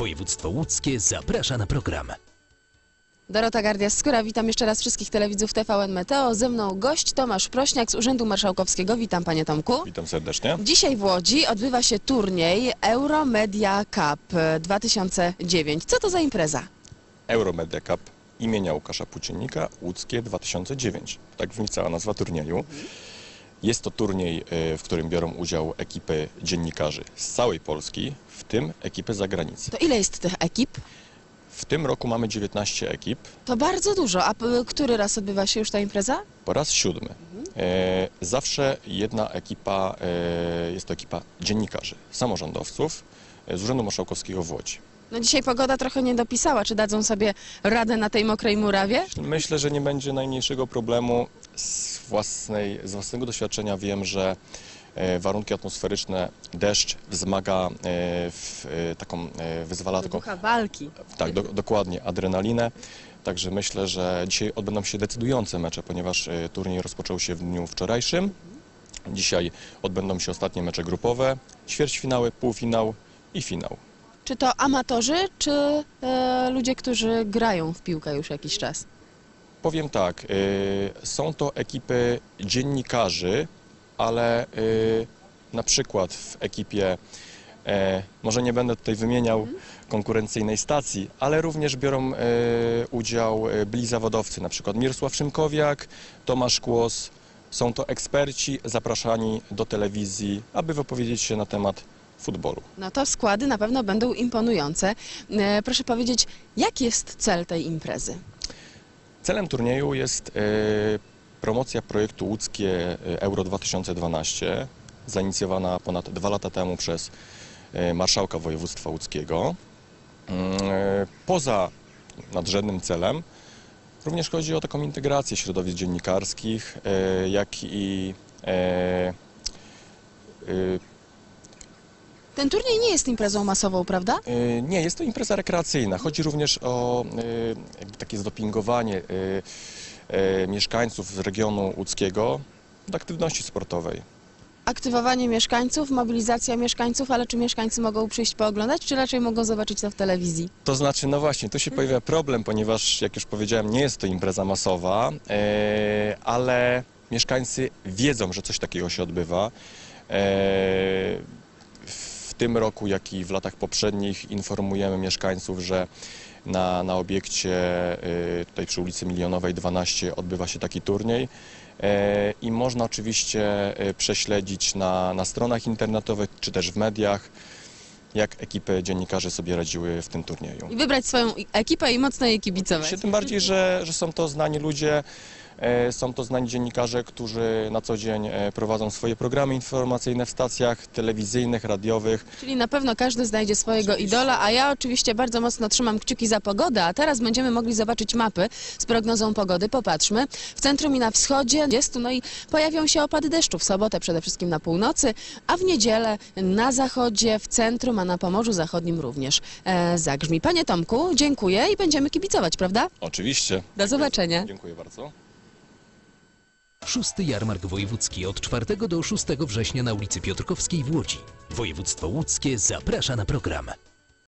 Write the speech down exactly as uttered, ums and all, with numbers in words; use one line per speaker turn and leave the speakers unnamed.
Województwo łódzkie zaprasza na program.
Dorota Gardia-Skóra, witam jeszcze raz wszystkich telewidzów T V N Meteo. Ze mną gość Tomasz Prośniak z Urzędu Marszałkowskiego. Witam panie Tomku.
Witam serdecznie.
Dzisiaj w Łodzi odbywa się turniej Euromedia Cup dwa tysiące dziewięć. Co to za impreza?
Euromedia Cup imienia Łukasza Płóciennika Łódzkie dwa tysiące dziewięć. Tak brzmi cała nazwa turnieju. Jest to turniej, w którym biorą udział ekipy dziennikarzy z całej Polski, w tym ekipy z zagranicy.
To ile jest tych ekip?
W tym roku mamy dziewiętnaście ekip.
To bardzo dużo. A p- który raz odbywa się już ta impreza?
Po raz siódmy. E, zawsze jedna ekipa, e, jest to ekipa dziennikarzy, samorządowców e, z Urzędu Marszałkowskiego w Łodzi.
No dzisiaj pogoda trochę nie dopisała. Czy dadzą sobie radę na tej mokrej murawie?
Myślę, że nie będzie najmniejszego problemu. Z, własnej, z własnego doświadczenia wiem, że e, warunki atmosferyczne, deszcz wzmaga, e, w, e, taką, e, wyzwala taką,
Ducha walki.
tak, do, dokładnie, adrenalinę. Także myślę, że dzisiaj odbędą się decydujące mecze, ponieważ e, turniej rozpoczął się w dniu wczorajszym. Dzisiaj odbędą się ostatnie mecze grupowe, ćwierćfinały, półfinał i finał.
Czy to amatorzy, czy e, ludzie, którzy grają w piłkę już jakiś czas?
Powiem tak, y, są to ekipy dziennikarzy, ale y, na przykład w ekipie, e, może nie będę tutaj wymieniał konkurencyjnej stacji, ale również biorą y, udział y, byli zawodowcy, na przykład Mirosław Szymkowiak, Tomasz Kłos. Są to eksperci zapraszani do telewizji, aby wypowiedzieć się na temat futbolu.
No to składy na pewno będą imponujące. E, proszę powiedzieć, jaki jest cel tej imprezy?
Celem turnieju jest e, promocja projektu łódzkie Euro dwa tysiące dwanaście, zainicjowana ponad dwa lata temu przez e, marszałka województwa łódzkiego. E, poza nadrzędnym celem również chodzi o taką integrację środowisk dziennikarskich, e, jak i e, e,
Ten turniej nie jest imprezą masową, prawda?
E, Nie, jest to impreza rekreacyjna. Chodzi również o e, jakby takie zdopingowanie e, e, mieszkańców z regionu łódzkiego do aktywności sportowej.
Aktywowanie mieszkańców, mobilizacja mieszkańców, ale czy mieszkańcy mogą przyjść pooglądać, czy raczej mogą zobaczyć to w telewizji?
To znaczy, no właśnie, tu się pojawia problem, ponieważ, jak już powiedziałem, nie jest to impreza masowa, e, ale mieszkańcy wiedzą, że coś takiego się odbywa. E, w tym roku, jak i w latach poprzednich informujemy mieszkańców, że na, na obiekcie y, tutaj przy ulicy Milionowej dwanaście odbywa się taki turniej e, i można oczywiście y, prześledzić na, na stronach internetowych czy też w mediach, jak ekipy dziennikarzy sobie radziły w tym turnieju.
I wybrać swoją ekipę i mocno jej kibicować.
Tym bardziej, że, że są to znani ludzie, e, są to znani dziennikarze, którzy na co dzień e, prowadzą swoje programy informacyjne w stacjach telewizyjnych, radiowych.
Czyli na pewno każdy znajdzie swojego idola, a ja oczywiście bardzo mocno trzymam kciuki za pogodę, a teraz będziemy mogli zobaczyć mapy z prognozą pogody. Popatrzmy. W centrum i na wschodzie jest, no i pojawią się opady deszczu w sobotę przede wszystkim na północy, a w niedzielę na zachodzie, w centrum, a na Pomorzu Zachodnim również e, zagrzmi. Panie Tomku, dziękuję i będziemy kibicować, prawda?
Oczywiście.
Do zobaczenia.
Dziękuję bardzo.
Szósty Jarmark Wojewódzki od czwartego do szóstego września na ulicy Piotrkowskiej w Łodzi. Województwo łódzkie zaprasza na program.